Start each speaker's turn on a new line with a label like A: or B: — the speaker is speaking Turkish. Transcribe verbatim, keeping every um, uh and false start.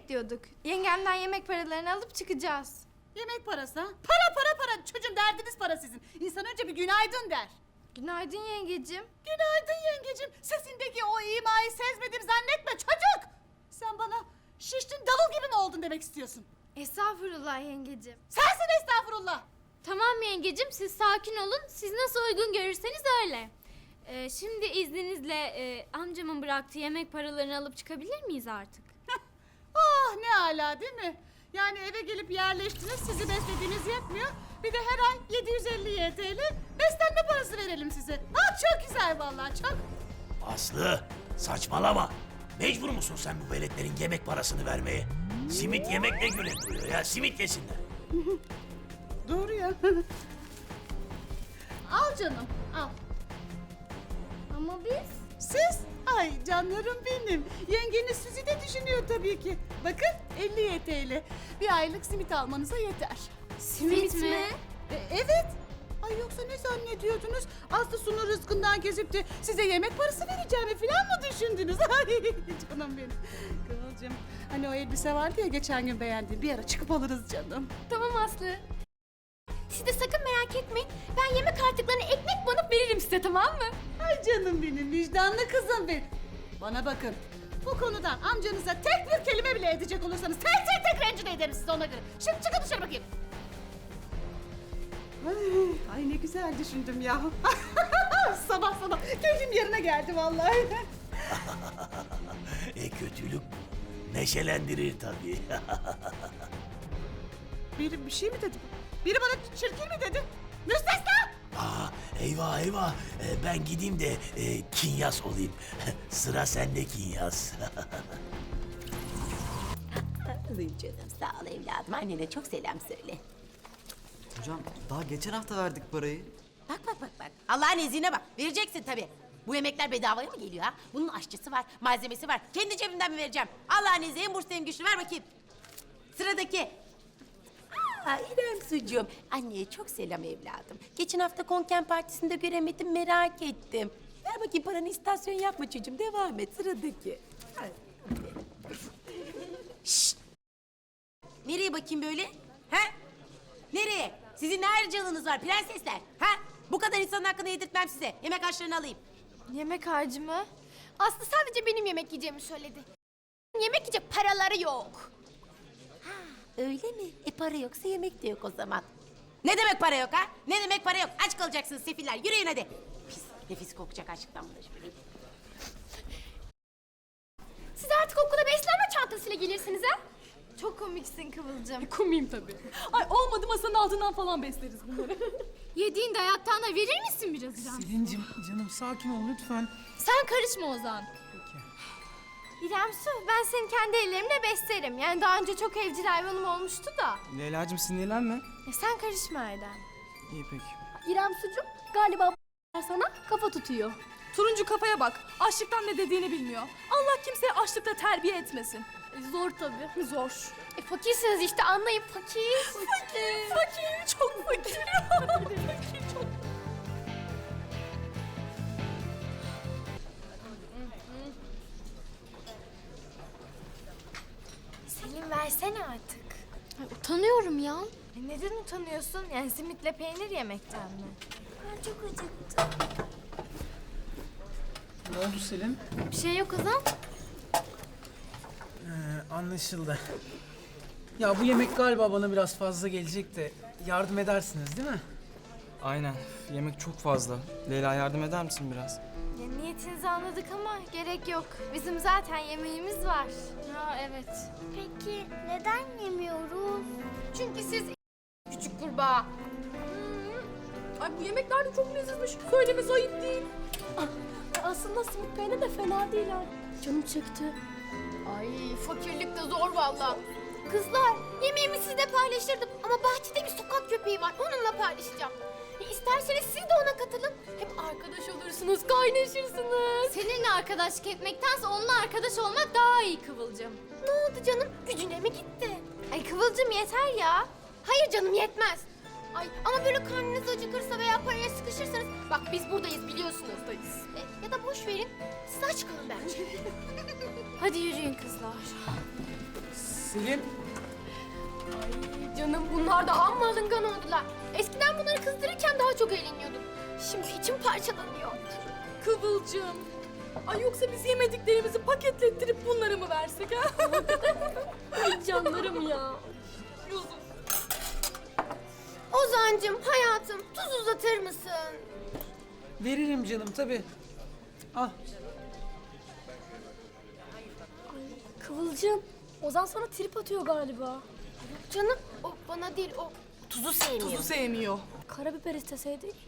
A: bekliyorduk. Yengemden yemek paralarını alıp çıkacağız.
B: Yemek parası ha? Para para para. Çocuğum derdiniz para sizin. İnsan önce bir günaydın der.
A: Günaydın yengecim.
B: Günaydın yengecim. Sesindeki o imayı sezmedim zannetme çocuk. Sen bana şiştin davul gibi mi oldun demek istiyorsun?
A: Estağfurullah yengecim.
B: Sensin estağfurullah.
C: Tamam yengecim, siz sakin olun. Siz nasıl uygun görürseniz öyle. Ee, şimdi izninizle e, amcamın bıraktığı yemek paralarını alıp çıkabilir miyiz artık?
B: Ah ne âlâ değil mi? Yani eve gelip yerleştiniz, sizi beslediğiniz yetmiyor. Bir de her ay yedi yüz elli Y T L beslenme parası verelim size. Ah çok güzel vallahi çok.
D: Aslı saçmalama. Mecbur musun sen bu veletlerin yemek parasını vermeye? Simit yemek ne güne duruyor ya, simit yesinler.
B: Doğru ya. Al canım al.
A: Ama biz...
B: Siz? Ay canlarım benim. Yengeniz sizi de düşünüyor tabii ki. Bakın elli Y T L. Bir aylık simit almanıza yeter.
C: Simit mi?
B: E, evet. Ay yoksa ne zannediyordunuz? Aslı Sunu rızkından kesip de size yemek parası vereceğimi falan mı düşündünüz? Ay canım benim. Kıvılcım hani o elbise vardı ya geçen gün beğendiğim. Bir ara çıkıp alırız canım.
A: Tamam Aslı. Siz de sakın merak etmeyin. Ben yemek artıklarını ekmek banıp veririm size, tamam mı?
B: Ay canım benim, vicdanlı kızım benim. Bana bakın, bu konudan amcanıza tek bir kelime bile edecek olursanız tek tek tek rencide ederim size ona göre. Şimdi çıkın dışarı bakayım. Ay, ay ne güzel düşündüm ya. Sabah sabah keyfim yerine geldi vallahi.
D: E kötülük neşelendirir tabii.
B: Biri bir şey mi dedi? Biri bana çirkin mi dedi? Müstesna!
D: Aa, eyvah eyvah. E, ben gideyim de e, Kinyas olayım. Sıra sende Kinyas.
E: Alayım canım, sağ ol evladım. Annene çok selam söyle.
F: Hocam daha geçen hafta verdik parayı.
E: Bak bak bak bak. Allah'ın izniyle bak. Vereceksin tabii. Bu yemekler bedavaya mı geliyor ha? Bunun aşçısı var, malzemesi var. Kendi cebimden mi vereceğim? Allah'ın izniyle en burslu hem güçlü. Ver bakayım. Sıradaki. Aa, İrem sucuğum. Anneye çok selam evladım. Geçen hafta konken partisinde göremedim, merak ettim. Ver bakayım paranı, istasyon yapma çocuğum. Devam et, sıradaki. Hadi. Şşt! Nereye bakayım böyle? Ha? Nereye? Sizin ne ayrıcalığınız var prensesler? Ha? Bu kadar insanın hakkını yedirtmem size. Yemek harçlarını alayım.
A: Yemek harcı mı? Aslı sadece benim yemek yiyeceğimi söyledi. Yemek yiyecek paraları yok.
E: Öyle mi? E para yoksa yemek de yok o zaman. Ne demek para yok ha? Ne demek para yok? Aç kalacaksınız sefiller. Yürüyün hadi. Pis, nefis kokacak açlıktan bulaşıp.
A: Siz artık okula beslenme çantasıyla gelirsiniz ha? Çok komiksin Kıvılcım.
G: Komiyim tabii. Ay olmadı masanın altından falan besleriz bunları.
C: Yediğin dayaktan da verir misin biraz İrem?
H: Selin'cim canım sakin ol lütfen.
C: Sen karışma Ozan.
A: İrem Su, ben seni kendi ellerimle beslerim. Yani daha önce çok evcil hayvanım olmuştu da.
H: Leyla'cığım sinirlenme.
A: Ya sen karışma Erdem.
H: İyi peki.
G: İrem sucum galiba sana kafa tutuyor. Turuncu kafaya bak. Açlıktan ne dediğini bilmiyor. Allah kimseye açlıkla terbiye etmesin. E, zor tabii. Zor.
A: E fakirsiniz işte, anlayın, fakir.
G: Fakir. Fakir. Çok fakir. Fakir çok.
A: Selin versene artık.
C: Ay, utanıyorum ya.
A: E neden utanıyorsun? Yani simitle peynir yemekten mi? Ben çok acıktım.
H: Ne oldu Selin?
C: Bir şey yok Ozan.
H: Ee, anlaşıldı. Ya bu yemek galiba bana biraz fazla gelecek de yardım edersiniz değil mi?
I: Aynen. Yemek çok fazla. Leyla yardım eder misin biraz?
A: Ya niyetinizi anladık ama gerek yok. Bizim zaten yemeğimiz var.
C: Ha evet.
A: Peki neden yemiyoruz? Çünkü siz küçük kurbağa.
G: Ay bu yemekler de çok lezzetmiş. Söylemesi ayıp değil. Ah, aslında simit peynir de fena değil ha. Canım çekti.
A: Ay fakirlik de zor vallahi. Kızlar, yemeğimi sizle paylaşırdım ama bahçede bir sokak köpeği var, onunla paylaşacağım. E, isterseniz siz de ona katılın. Hem arkadaş olursunuz, kaynaşırsınız.
C: Seninle arkadaşlık etmektense onunla arkadaş olmak daha iyi Kıvılcım.
A: Ne oldu canım? Gücüne mi gitti? Ay Kıvılcım yeter ya. Hayır canım yetmez. Ay ama böyle karnınız acıkırsa veya paraya sıkışırsanız... Bak biz buradayız biliyorsunuz. E, ya da boş verin. Siz aç kalın bence.
C: Hadi yürüyün kızlar.
H: Selin,
A: Ay canım bunlar da amma alıngan oldular. Eskiden bunları kızdırırken daha çok eğleniyordum. Şimdi içim parçalanıyor.
G: Kıvılcım. Ay yoksa biz yemediklerimizi paketlettirip bunları mı versek ha?
A: Ay canlarım ya. Ozancım hayatım tuz uzatır mısın?
H: veririm canım tabii. Al.
G: Kıvılcım. Ozan sana trip atıyor galiba.
A: Canım o bana değil o tuzu sevmiyor.
G: Tuzu sevmiyor. Karabiber isteseydik.